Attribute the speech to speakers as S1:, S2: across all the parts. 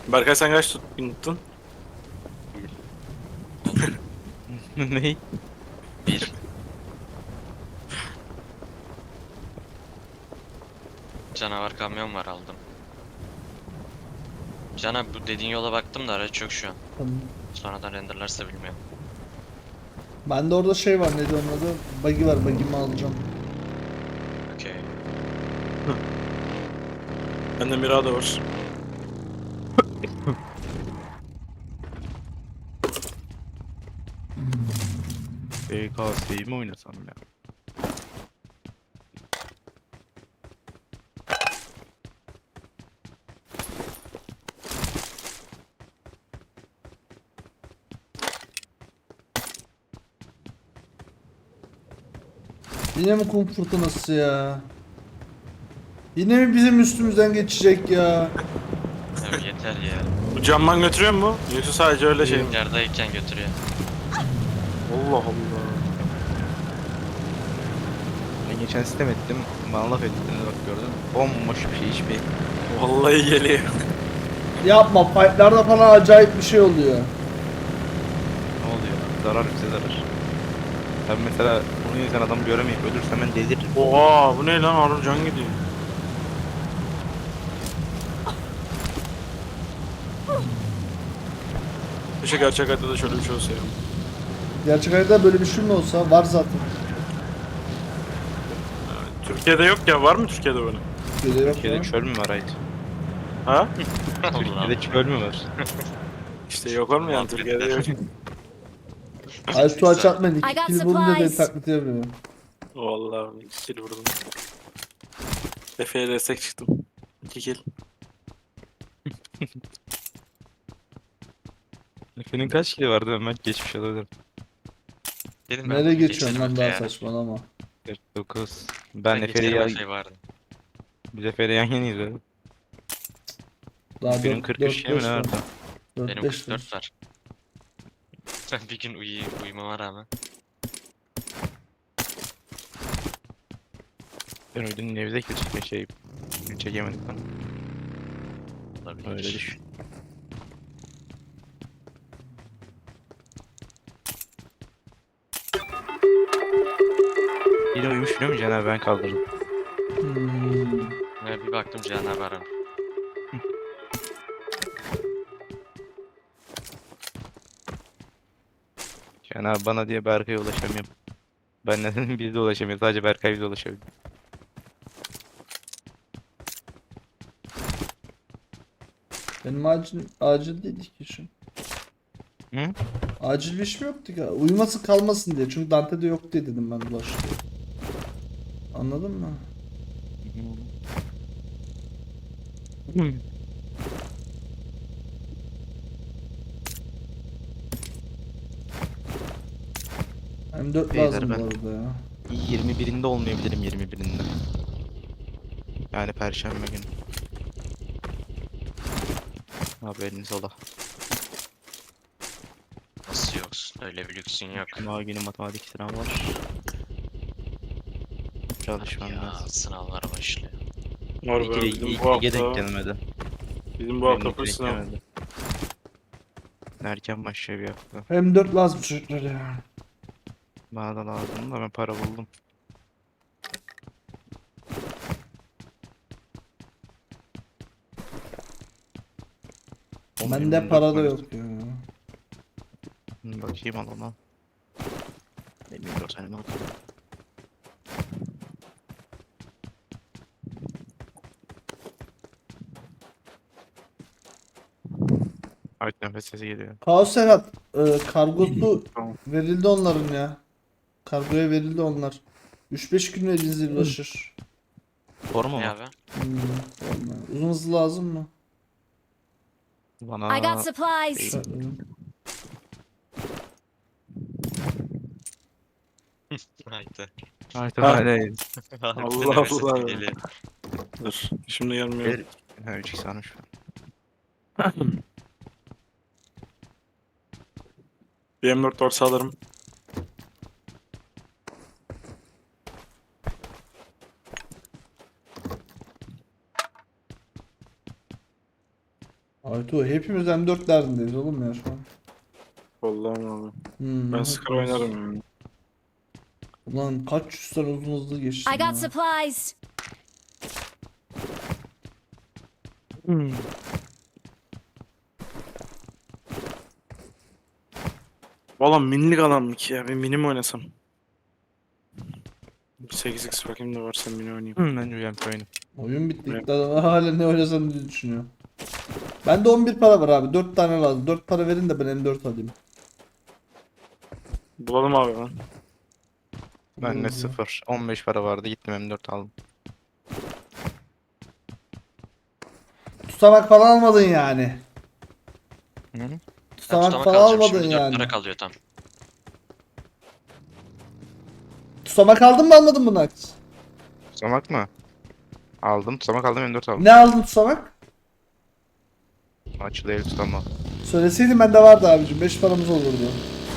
S1: Berkay sen kaç tuttun?
S2: Ney?
S3: Bir. Canavar kamyon var aldım. Cana bu dediğin yola baktım da araç yok şu an.
S4: Tamam.
S3: Sonradan renderlarsa bilmiyorum.
S4: Bende orada şey var, neydi onun adı? Buggy var, buggy'mi alacağım.
S3: Okey.
S1: Bende Mirado var.
S2: BKS'yi mi oynasam ya?
S4: Yine mi kum fırtınası ya? Yine mi bizim üstümüzden geçecek ya?
S3: Ya yeter ya.
S1: Bu camman götürüyor mu? Yoksa sadece öyle şey mi?
S3: Yerdeyken götürüyor.
S1: Allah Allah.
S2: Ben geçen sistem ettim. Bana laf ettiğini bak gördün mü? Bomboş bir şey hiçbir.
S1: Vallahi geliyor.
S4: Yapma, fightlarda falan acayip bir şey oluyor.
S2: Ne oluyor? Zarar bize zarar. Ben mesela bunu yüzden adamı göremeyip ölürsem ben deliririm.
S1: Oha bu ne lan, Harun can gidiyor. Keşke gerçek hayatta da şöyle bir şey olsa ya.
S4: Gerçek hayatta böyle bir şey mi olsa var zaten.
S1: Türkiye'de yok ya, var mı Türkiye'de böyle?
S4: Böyle yok
S2: Türkiye'de
S4: ya.
S2: çöl mü var Ait?
S1: Ha?
S3: Allah.
S2: Türkiye'de çöl mü var?
S1: İşte yok var mı yani, Türkiye'de yok.
S4: Ay su aç atmayın,
S5: I got
S4: iki kill vurunca beni
S5: supplies.
S4: taklit yapıyor.
S1: Vallahi 2 kill vurdum. Efe'ye destek çıktım. 2 kill.
S2: Efe'nin kaç kili vardı Ömer? Geçmiş olabilirim.
S3: Dedim ben
S4: Nereye
S3: bunu
S4: geçiyorsun
S3: geçerim
S4: lan
S3: Efe
S4: daha
S3: ya.
S4: saçmalama.
S2: 49.
S3: Ben
S2: Ben Efe'yi
S3: geçerim Efe vardı.
S2: Biz Efe'yle yan yanayız öyle.
S4: Daha
S2: Benim
S4: 4
S2: 43
S4: 4
S2: mi
S4: 5
S2: ne
S4: var.
S2: vardı?
S4: 4
S3: Benim
S4: 5
S3: 44 var. Ben bir gün uyumama rağmen.
S2: Ben uydum nevde çekme şey çekemedik lan.
S3: Olabilir.
S2: Öyle düşün. Yine uyumuş biliyor musun Caner, ben kaldırdım.
S3: Ya bir baktım Cihan abi aramış.
S2: Caner bana diye Berkay'a ulaşamıyorum. Ben neden biz de ulaşamıyoruz, sadece Berkay bize ulaşabiliyor.
S4: Benim acil değildi ki şu.
S2: Hı?
S4: Acil bir işim yoktu ki. Uyuması kalmasın diye. Çünkü Dante'de yok diye dedim ben Ulaş diye. Anladın mı? M4
S2: Beyler
S4: lazım bu
S2: ben-
S4: arada ya.
S2: 21'inde olmayabilirim, 21'inde. Yani Perşembe günü. Haberiniz ola.
S3: Nasıl yoksun? Öyle bir lüksün yok.
S2: Cuma günü matematik sınav var. Çalışmam
S3: Ya
S2: lazım.
S3: sınavlar başlıyor.
S1: Var be,
S2: İki
S1: bizim bu
S2: denk
S1: hafta,
S2: gelmedi.
S1: bizim bu
S2: Benim
S1: hafta
S2: iki
S1: full
S2: denk
S1: sınav.
S2: gelmedi. Erken başlıyor bir hafta.
S4: M4 lazım çocuklar ya.
S2: Bana da lazım da ben para buldum.
S4: Bende para da yok ya.
S2: Bakayım al onu. Benim de o senin oldu. Ay nefes sesi geliyor.
S4: Kaos Serhat, kargosu
S2: Tamam.
S4: verildi onların ya. Kargoya verildi onlar. 3-5 gün elinize ulaşır.
S2: Forma
S3: Ne
S2: mı?
S3: abi?
S4: Vallahi. Uzun hızlı lazım mı?
S5: I got
S2: Bana
S5: supplies.
S3: Haydi.
S2: artık
S1: Ha.
S2: öyle.
S1: Allah
S3: Nefes sesi
S1: Allah.
S3: geliyor.
S1: Dur. Şimdi gelmiyor.
S2: Ha 3 sarmış.
S1: Bir M4 dorsa alırım.
S4: Aytu hepimiz M4 derdindeyiz oğlum ya şu an.
S1: Vallahi abi. Ben
S4: hepimiz.
S1: Scar oynarım yani.
S4: Ulan kaç yüz tane uzun hızlı geçtim
S5: I got
S4: ya.
S5: supplies.
S1: Valla minilik adam mı ki ya? Bir mini mi oynasam? Bir 8x bakayım da varsa mini oynayayım.
S2: Bence UMP oyunu.
S4: Oyun bitti.
S1: Evet.
S4: Daha hala ne oynasam diye düşünüyorum. Bende 11 para var abi. 4 tane lazım. 4 para verin de ben M4 alayım.
S1: Bulalım abi ben.
S2: Ben de
S4: Hı.
S2: 0. 15 para vardı gittim M4 aldım.
S4: Tutamak falan almadın yani.
S2: Hı?
S4: Tutamak
S3: Tutama
S4: falan
S3: kalacağım
S4: almadın
S3: şimdi 4
S4: yani.
S3: para kalıyor tam.
S4: Tutamak aldın mı almadın mı Nax?
S2: Tutamak mı? Aldım. Tutamak aldım M4 aldım.
S4: Ne aldın tutamak?
S2: Açılı el tutama.
S4: Söyleseydin bende vardı abicim. 5 paramız olurdu.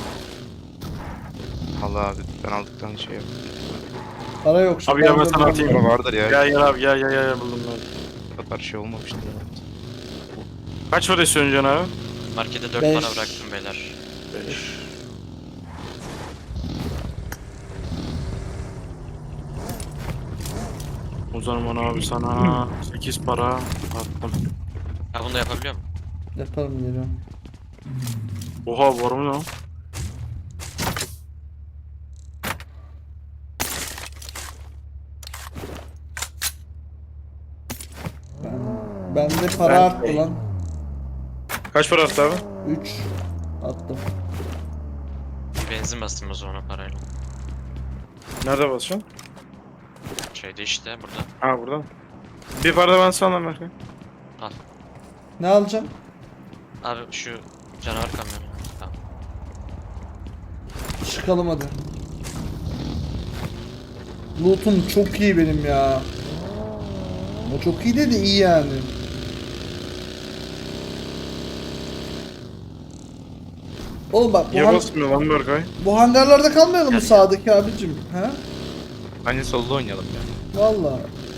S2: Allah abi ben aldıktan şey yap.
S4: Para yok şimdi.
S1: Abi ya ben
S4: M4
S1: sana atayım.
S2: Para vardır ya.
S1: Gel gel abi gel buldum ben.
S2: Bu kadar şey olmamıştı ya.
S1: Kaç para istiyorsun Can abi?
S3: Markete 4
S4: Beş.
S3: para bıraktım beyler.
S1: 5. O zaman abi sana 8 para attım.
S3: Ha bunu da yapabiliyor muyum?
S4: Yaparım geliyorum.
S1: Oha var mı lan?
S4: Bende para
S1: Ben-
S4: arttı lan.
S1: Kaç para attı abi?
S4: 3 attım.
S3: Bir benzin bastım o zaman o parayla.
S1: Nerede basacaksın?
S3: Şeyde işte burada.
S1: Ha burada. Bir para da ben sana Berkay.
S4: Ne alacağım?
S3: Abi şu canavar kamyonu. Tamam.
S4: Çıkalım hadi. Loot'um çok iyi benim ya. O çok iyi dedi iyi yani. Oğlum bak
S1: Niye basmıyor lan Berkay?
S4: bu hangarlarda kalmayalım mı
S3: Gel, gel.
S4: sağdaki abicim? He?
S2: Bence solda oynayalım ya.
S4: Vallahi.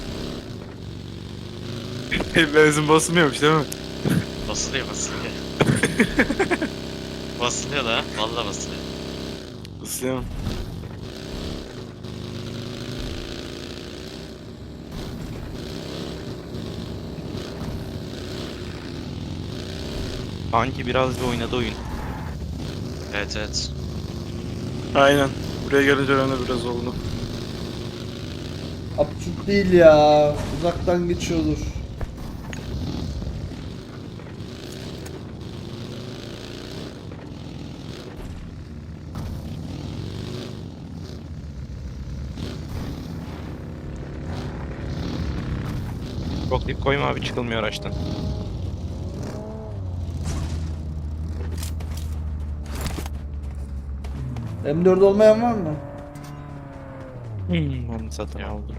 S1: Benzin basmıyormuş değil mi?
S3: Basılıyor basılıyor. Basılıyor da ha. Vallahi basılıyor.
S1: Basıyorum.
S2: Sanki biraz bir oynadı oyun.
S3: Evet evet.
S1: Aynen. Buraya gelince öyle biraz oldu.
S4: Absürt değil ya. Uzaktan geçiyordur.
S2: Çok dip koyma abi çıkılmıyor araçtan.
S4: M4 olmayan var mı?
S2: Onu satın
S3: Ya.
S2: aldım.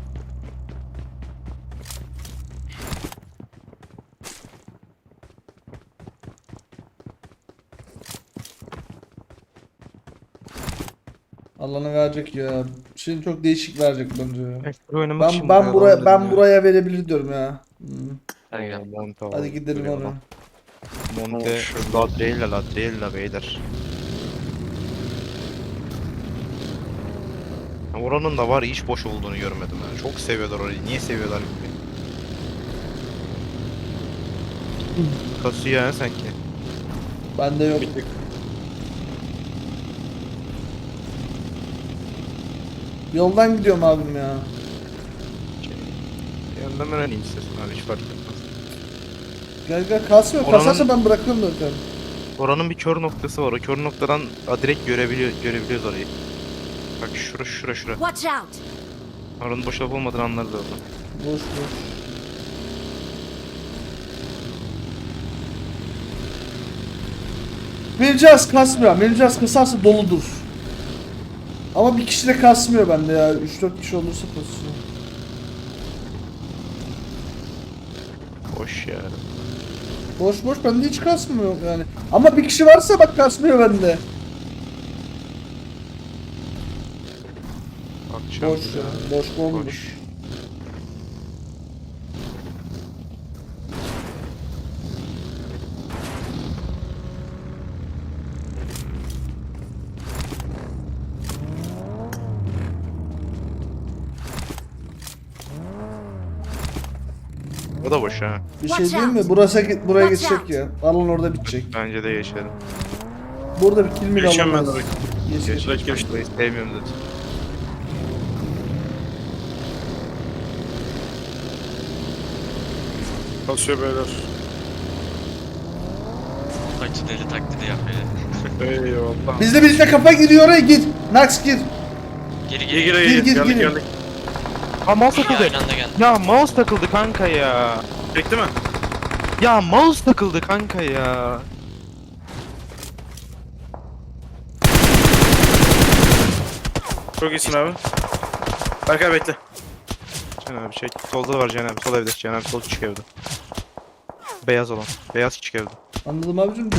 S4: Alanı verecek ya. Şimdi çok değişik verecek bence ya.
S2: Oynamak için
S4: Ben
S2: buraya
S4: buraya
S2: alalım
S4: ben
S2: dedim ya.
S4: buraya verebilir diyorum ya. Hmm.
S3: Hadi gel.
S2: Monte
S4: Hadi
S2: alalım,
S4: gidelim
S2: buraya
S4: oraya.
S2: alalım. Monte Ladrella beyler. Ya oranın da var hiç boş olduğunu görmedim ya. Çok seviyorlar orayı. Niye seviyorlar bilmiyorum. Kasıyor ya sanki.
S4: Bende yok. Yoldan gidiyorum abim ya.
S2: Yanından öğreneyim istiyorsun abi hiç fark etmez.
S4: Gel kasmıyor.
S2: Oranın-
S4: Kasarsa ben bırakıyorum zaten.
S2: Oranın bir kör noktası var. O kör noktadan direkt görebiliyoruz orayı. Bak şura.
S5: Watch out.
S2: Oranın boş olup olmadığını anlarız oradan.
S4: Boş boş. Mircaz kasmıyor. Mircaz kasarsa doludur. Ama bir kişi de kasmıyor bende ya. 3-4 kişi olursa kasıyor.
S2: Boş ya.
S4: Boş boş bende hiç kasmıyor yani. Ama bir kişi varsa bak kasmıyor bende.
S2: Bakacağım.
S4: Boş ya. Boş bomboş.
S2: Boş. O da boş ha.
S4: Bir şey değil mi? Buraya geçecek ya. Alan orada bitecek.
S2: Bence de geçelim.
S4: Burada bir kill mi
S1: Geçeceğim ben
S4: alamaz.
S1: oraya.
S4: Geç geç.
S1: Direkt geçtim.
S2: Burayı sevmiyorum zaten.
S1: Basıyor beyler.
S3: Acı deli taklidi yapıyor.
S1: Eyvallah.
S4: Bizde kafa giriyor oraya git. Nax gir.
S3: Geri
S1: İyi
S3: geri.
S1: gir
S4: Gir,
S1: iyi.
S4: gir,
S1: Geldik
S4: gir.
S1: geldik.
S2: Ha mouse
S3: İyi,
S2: takıldı.
S3: aynı anda geldi.
S2: Ya mouse takıldı kanka ya.
S1: Çekti mi?
S2: Ya mouse takıldı kanka ya.
S1: Çok iyisin abi. Berkay bekle.
S2: Can abi şey solda da var Can abi. Sol evde Can abi sol küçük evde. Beyaz olan. Beyaz küçük evde.
S4: Anladım abicim de.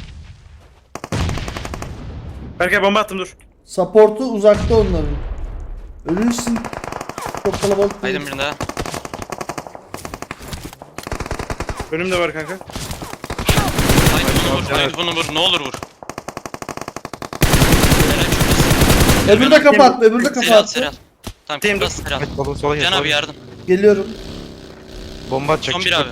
S1: Berkay bomba attım dur.
S4: Support'u uzakta onların. Ölürsün. Çok kalabalık değil.
S3: Haydi birinde daha.
S1: Önümde var kanka.
S3: Haydi bunu vur. Haydi bunu vur. Ne olur vur. Helal çok iyisin.
S4: Öbürü de kapattı. Öbürü de
S3: Serial
S4: kapattı.
S3: serial. Tamam
S1: Team
S3: kıpras serial.
S2: Evet sola gel.
S3: Can
S2: sola
S3: abi
S2: gel.
S3: yardım.
S4: Geliyorum.
S2: Bomba atacak.
S3: Son bir
S2: çıktı.
S3: abi.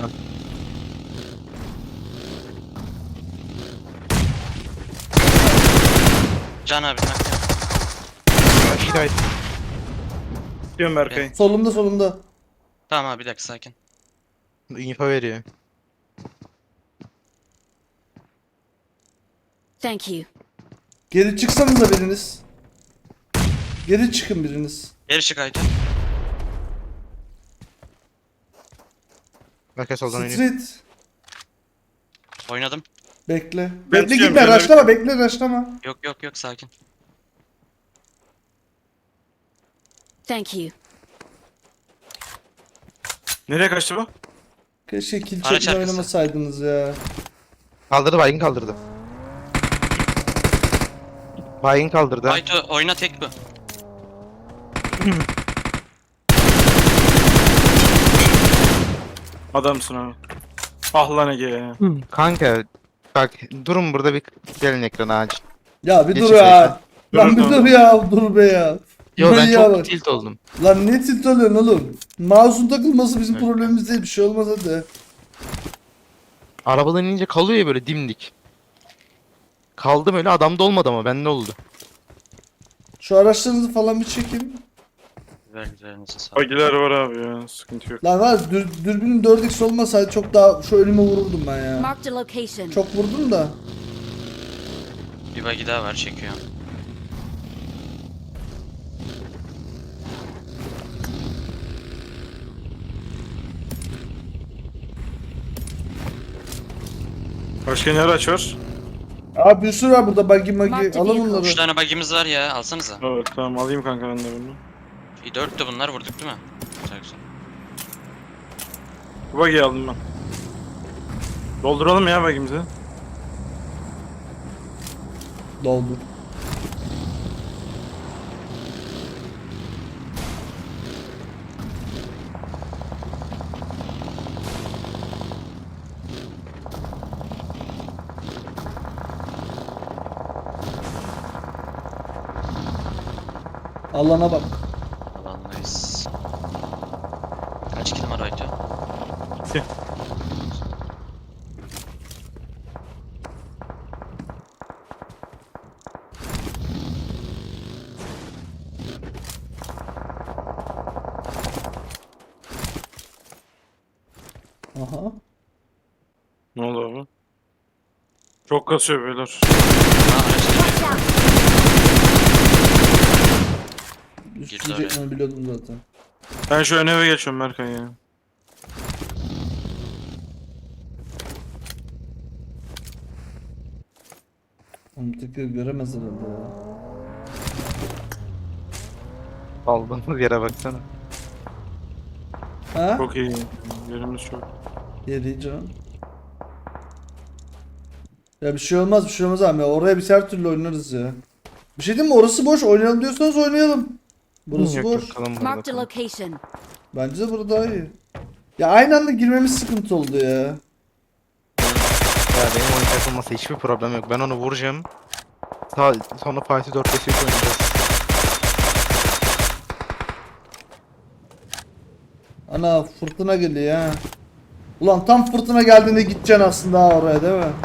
S3: Can abi. bak ya.
S2: Hidayet.
S1: Diyorum Berkay.
S4: Solumda.
S3: Tamam abi bir dakika sakin.
S2: info veriyor.
S6: Thank you.
S4: Geri çıksanıza biriniz. Geri çıkın biriniz.
S3: Geri çık Aytu.
S2: Berkay soldan oynuyor.
S4: Street.
S3: Oynadım.
S4: Bekle.
S1: Ben
S4: Bekle
S1: tutuyorum,
S4: gitme.
S1: ben
S4: Raşlama. Bekle raşlama.
S3: Yok sakin.
S6: Thank you.
S1: Nereye kaçtı bu?
S4: Keşke kill
S3: Araç
S4: çekme
S3: arkası.
S4: oynamasaydınız ya.
S2: Kaldırdı baygın kaldırdı. Baygın kaldırdı.
S3: Aytu oyna tek bu.
S1: Adamsın abi. Ah lan Ege ya.
S2: Kanka bak durun burada bir gelin ekrana acil.
S4: Ya bir
S2: Geç
S4: dur
S2: içeri.
S4: ya. Lan bir
S1: Dur,
S4: dur ya. Dur be ya.
S2: Yo ben
S4: Ya
S2: çok
S4: bak.
S2: tilt oldum.
S4: Lan ne tilt oluyorsun oğlum? Mouse'un takılması bizim problemimiz değil. Bir şey olmaz hadi.
S2: Arabadan inince kalıyor ya böyle dimdik. Kaldım öyle adamda olmadı ama bende oldu.
S4: Şu araçlarınızı falan bir çekin.
S3: Üzerinize sağ.
S1: Bagiler var abi ya. Sıkıntı yok.
S4: Lan var dürbünün 4x olmasaydı çok daha şu önüme vururdum ben ya.
S6: Marked a location.
S4: Çok vurdum da.
S3: Bir bagi daha var çekiyor.
S1: Başka ne araç var?
S4: Abi bir sürü var burada buggy
S6: Marked
S4: magi. Alın
S6: vehicle.
S3: 3
S4: bunları.
S3: tane bagimiz var ya alsanıza.
S1: Evet tamam alayım kanka ben de bunu.
S3: 4 de bunlar vurduk değil mi? Güzel güzel.
S1: Bu bagiyi aldım ben. Dolduralım ya bagimizi.
S4: Doldur. Allah'ına bak.
S3: Alandayız. Kaç kilim var Aytu?
S1: İki.
S4: Aha.
S1: Ne oldu abi? Çok kasıyor beyler.
S3: Aa araç geliyor.
S4: Düşmeyeceklerini biliyordum zaten.
S1: Ben şu ön eve geçiyorum Berkay ya.
S4: Onu tekrar göremez herhalde ya.
S2: Aldığımız yere baksana.
S4: Ha?
S1: Çok iyi. Yerimiz çok.
S4: Yedi canım. Ya bir şey olmaz abi ya. Oraya biz her türlü oynarız ya. Bir şey diyeyim mi? Orası boş. Oynayalım diyorsanız oynayalım. Burası
S2: Yok,
S4: boş.
S2: yok, kalın burada,
S6: Marked a
S2: kalın.
S6: location.
S4: Bence de burada daha iyi. Ya aynı anda girmemiz sıkıntı oldu ya.
S2: Ya benim oyun takılması hiçbir problem yok. Ben onu vuracağım. Sonra Fatih 4 vs 3 oynayacağız.
S4: Ana fırtına geliyor ha. Ulan tam fırtına geldiğinde gideceksin aslında ha oraya değil mi?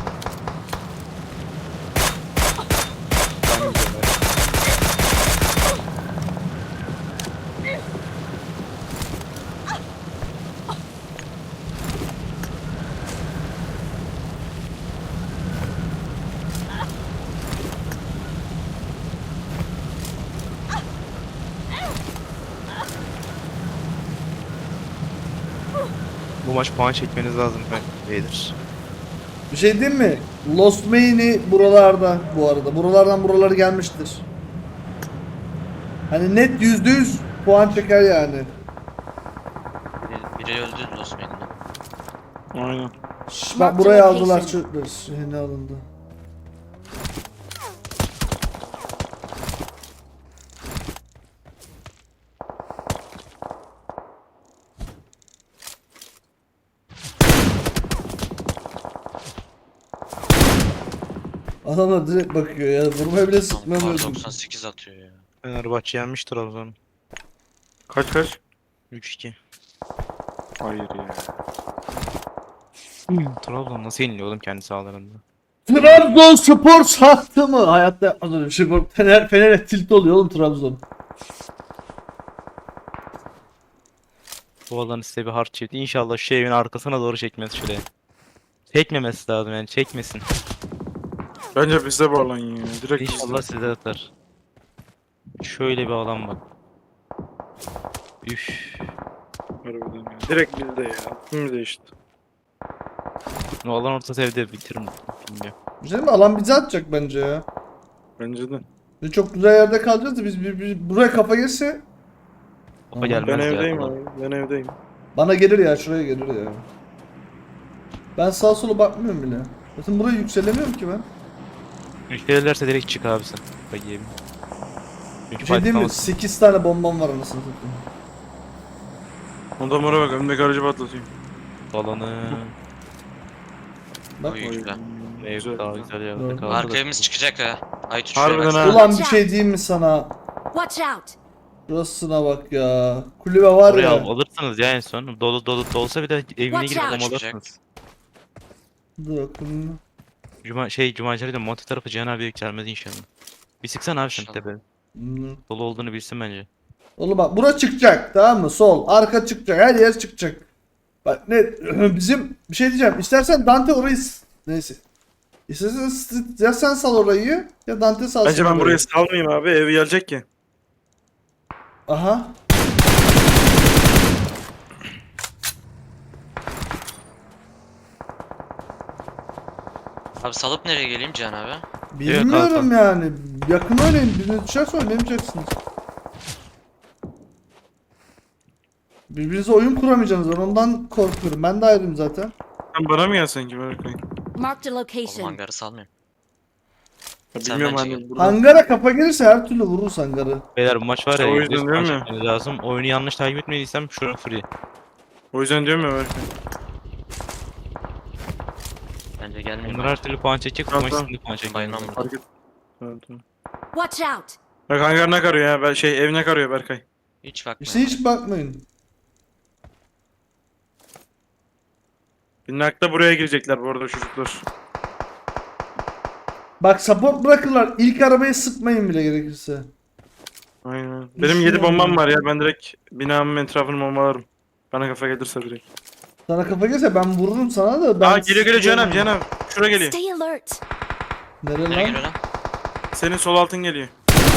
S2: Bu maç puan çekmeniz lazım beyler.
S4: Bir şey diyeyim mi? Lost Main'i buralarda bu arada. Buralardan buraları gelmiştir. Hani net %100 puan çeker yani.
S3: Biri öldü Lost Main'de.
S1: Aynen.
S4: Şş,
S6: Mark
S4: bak buraya
S6: the
S4: aldılar
S6: location.
S4: çocuklar. Ne alındı? Adamlar direkt bakıyor ya. Vurmaya bile
S3: Kar
S4: sıkmamıyordum.
S3: 98 atıyor ya.
S2: Fenerbahçe yenmiş Trabzon.
S1: Kaç?
S2: 3-2.
S1: Hayır ya.
S2: Trabzon nasıl yeniliyor oğlum kendi sahalarında?
S4: Trabzonspor sattı mı? Hayatta yapmaz öyle bir şey. Bak, Fener'e tilt oluyor oğlum Trabzon.
S2: Bu alan size bir hard çekti. İnşallah şu evin arkasına doğru çekmez şuraya. Çekmemesi lazım yani çekmesin.
S1: Bence bizde bu alan ya. Direkt
S2: İnşallah size atar. Şöyle bir alan bak. Üf.
S1: Harbiden ya. Direkt bizde ya. Kim değişti?
S2: O alan ortası evde bitiririm. Bilmiyorum.
S4: Bir şey mi? Alan bize atacak bence ya.
S1: Bence de.
S4: Biz çok güzel yerde kalacağız da biz buraya kafa girse
S2: Kafa gelmez
S1: Ben
S2: ya,
S1: evdeyim
S2: alan.
S1: abi. Ben evdeyim.
S4: bana gelir ya, şuraya gelir ya. Ben sağa sola bakmıyorum bile. Zaten buraya yükselemiyorum ki ben.
S2: Müşterilerse direkt çık abi sen. Bak yemin.
S4: Bir şey diyeyim mi? 8 tane bombam var anasını satayım.
S1: Ondan bana bak. Önümdeki aracı patlatayım.
S2: Alanı.
S4: Bak.
S3: Oy güzel.
S2: Ev daha güzel yerde
S4: Doğru.
S2: kaldı.
S3: Arka
S2: da.
S3: evimiz çıkacak ha. Ay
S1: Harbiden
S3: şuraya
S1: ha.
S3: bak.
S4: Ulan bir şey diyeyim mi sana?
S6: Watch out!
S4: Şurasına bak ya. Kulübe var
S2: Oraya
S4: ya.
S2: alırsınız ya en son. Dolu olsa bir de evine
S6: Watch
S2: girip
S6: out.
S2: bombalırsınız.
S4: Dur bakayım.
S2: Cumancı'yla Monte tarafı Cihan abi yükselmez inşallah. Bir sıksana abi sen
S3: İnşallah.
S2: tepe.
S4: Hmm.
S2: Dolu olduğunu bilsin bence.
S4: Oğlum bak bura çıkacak, tamam mı? Sol, arka çıkacak, her yer çıkacak. Bak ne bizim bir şey diyeceğim. İstersen Dante orayı neyse. İstersen ya sen sal orayı ya Dante salsın.
S1: Bence ben
S4: orayı.
S1: burayı salmayayım abi. Ev gelecek ki.
S4: Aha.
S3: Abi salıp nereye geleyim Cihan abi?
S4: Bilmiyorum yani. Yakın oynayın. Birine düşerse oynayamayacaksınız. Birbirinize oyun kuramayacaksınız. Ben ondan korkuyorum. Ben de ayrıyım zaten.
S1: Sen bana mı gelsen ki Berkay?
S6: Marked a
S3: Oğlum
S6: location.
S3: hangarı salmayayım.
S1: Ya
S3: Sen
S1: bilmiyorum
S3: bence
S1: hani burada.
S4: Hangara kafa gelirse her türlü vururuz hangarı.
S2: Beyler bu maç var ya.
S1: O yüzden
S2: %100
S1: diyorum
S2: puan
S1: ya.
S2: çekmeniz lazım. Oyunu yanlış takip etmediysem şura free.
S1: O yüzden diyorum ya Berkay.
S3: Bence gelmeyeyim.
S2: Bunlar her türlü puan çekecek. Bu
S1: Tamam,
S2: maç
S1: tamam.
S2: şimdi puan çekmeniz
S3: Bayılmam
S2: lazım.
S3: burada.
S1: Fark et. Tamam.
S6: Watch out!
S1: Bak hangar ne karıyor ya? Ben ev ne karıyor Berkay?
S3: Hiç bakma.
S4: İşte hiç bakmayın.
S1: Binnakta buraya girecekler bu arada çocuklar.
S4: Bak support bırakırlar. İlk arabaya sıkmayın bile gerekirse.
S1: Aynen. Benim 7 bombam var ya. Ben direkt binamın etrafını bombalarım. Bana kafa gelirse direkt.
S4: Sana kafa gelirse ben vururum sana da. Ben
S1: Geliyor Cihan abi Cihan abi. Şura geliyor.
S6: Stay alert!
S4: Nereye
S3: Nereye
S4: lan?
S3: geliyor lan?
S1: Senin sol altın geliyor.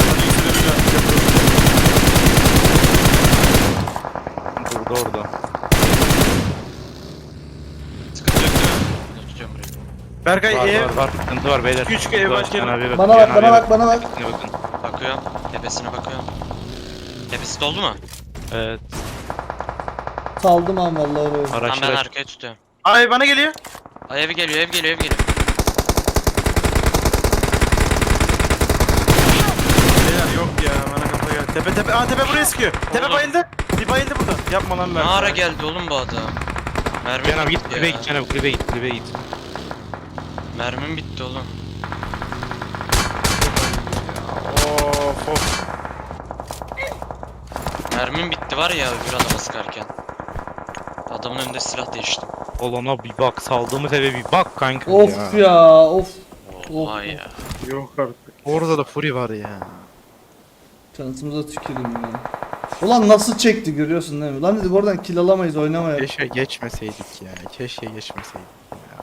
S2: Burada orada.
S3: Sıkıntı yok değil mi? Dur, tutuyorum burayı.
S1: Berkay
S2: Var
S1: ev.
S2: var var. Sıkıntı var beyler.
S1: Küçük
S2: Sıkıntı
S1: ev
S2: var.
S1: baş
S2: Cihan
S1: gelin.
S2: abiye bakın,
S4: Bana
S2: Cihan
S4: bak, bana
S2: abiye
S4: bak, bana bak.
S2: Tepesine bakın.
S3: Bakıyorum. Tepesine bakıyorum. Tepesi doldu mu?
S2: Evet.
S4: Saldım an vallahi oraya.
S3: Tamam ben
S2: Araçlar
S3: arkaya tutuyorum.
S1: Ay bana geliyor.
S3: Ay ev geliyor ev geliyor ev geliyor.
S1: Beyler yok ya bana kafa geldi. Tepe. Tepe buraya sıkıyor. Tepe
S3: Oğlum.
S1: bayıldı. Bir bayıldı burada. Yapma lan
S3: Ne
S1: Berkay.
S3: ara geldi oğlum bu adam? Mermim
S2: Cihan abi git
S3: bitti
S2: kulübeye
S3: ya.
S2: git. Cihan abi kulübeye git. Kulübeye git.
S3: Mermim bitti oğlum.
S1: Of.
S3: Mermim bitti var ya öbür adama sıkarken. Adamın önünde silah değiştim.
S2: Olana bir bak, saldığımız eve bir bak kanka
S4: Of ya of.
S3: Oha
S4: Of.
S3: ya.
S1: Yok artık.
S2: Orada da Fury var ya.
S4: Şansımıza tüküreyim ya. Ulan nasıl çekti görüyorsun değil mi? Lan dedik oradan kill alamayız oynamaya.
S2: Keşke geçmeseydik ya. Keşke geçmeseydik ya.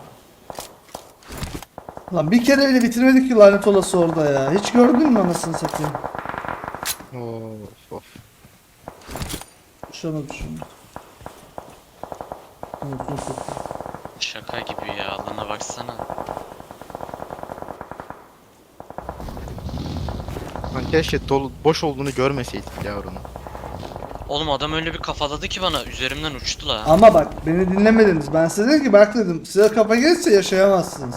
S4: Lan bir kere bile bitirmedik ki lanet olası orada ya. Hiç gördün mü anasını satayım?
S2: Of of.
S4: Şuna düşün.
S3: Şaka gibi ya. Alana baksana.
S2: Lan keşke dolu, boş olduğunu görmeseydik ya onu.
S3: Oğlum adam öyle bir kafaladı ki bana. Üzerimden uçtu la.
S4: Ama bak beni dinlemediniz. Ben size dedim ki bak dedim size kafa gelirse yaşayamazsınız.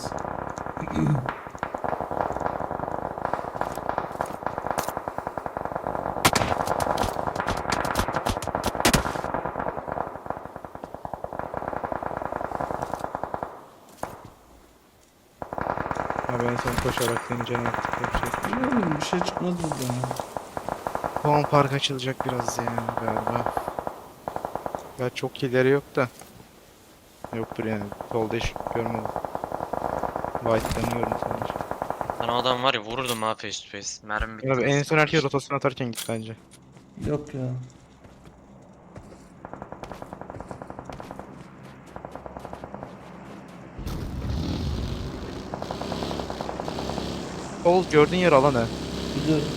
S2: Ha ben sen koşarak deneyeceğim artık yapacak.
S4: Bilmiyorum bir şey çıkmaz buradan ya.
S2: Puan park açılacak biraz ya galiba. Ya çok ileri yok da. Yoktur yani. Solda hiç görmedim. White'lanıyorum sadece.
S3: Ben o adam var ya vururdum ha face to face. Mermi bitti.
S2: Abi en son herkes rotasyon atarken git bence.
S4: Yok ya.
S2: Sol gördüğün yer alan ha.
S4: Biliyorum.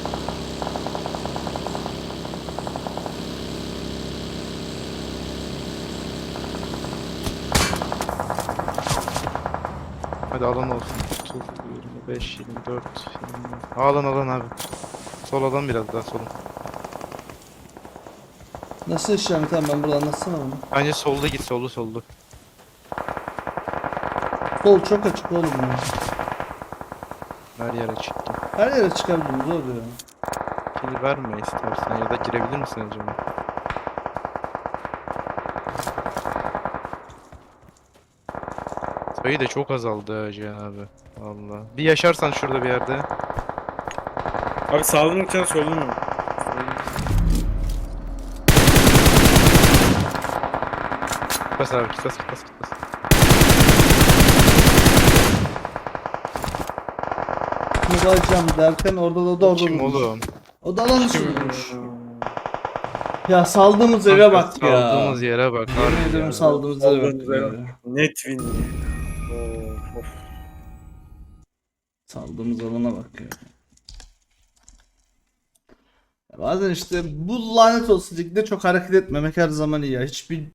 S2: Hadi alan olsun. 30, 25, 24, 20. Alan abi. Sol alan biraz daha solun.
S4: Nasıl işlem tamam ben burada anlatsana bunu.
S2: Bence solda git soldu.
S4: Sol çok açık oğlum ya.
S2: Her yere çıktı.
S4: Her yere çıkabiliriz oluyor.
S2: Kili verme istersen ya da girebilir misin acaba? Sayı da çok azaldı ha Cihan abi. Valla. Bir yaşarsan şurada bir yerde.
S1: Abi sağlı mı gideceksin sollu mu?
S2: Bas abi bas.
S4: Bunu alacağım derken orada da
S2: Kim
S4: durmuş.
S2: oğlum?
S4: O da alanı sürmüş. Ya saldığımız eve bak ya.
S2: Saldığımız yere bak.
S4: Yemin
S2: harbi
S4: ederim
S2: ya.
S4: saldığımız eve bak
S1: Saldığımız eve
S4: ya.
S1: Net win. Of.
S4: Saldığımız alana bak ya. Ya bazen işte bu lanet olsun ligde çok hareket etmemek her zaman iyi ya. Hiçbir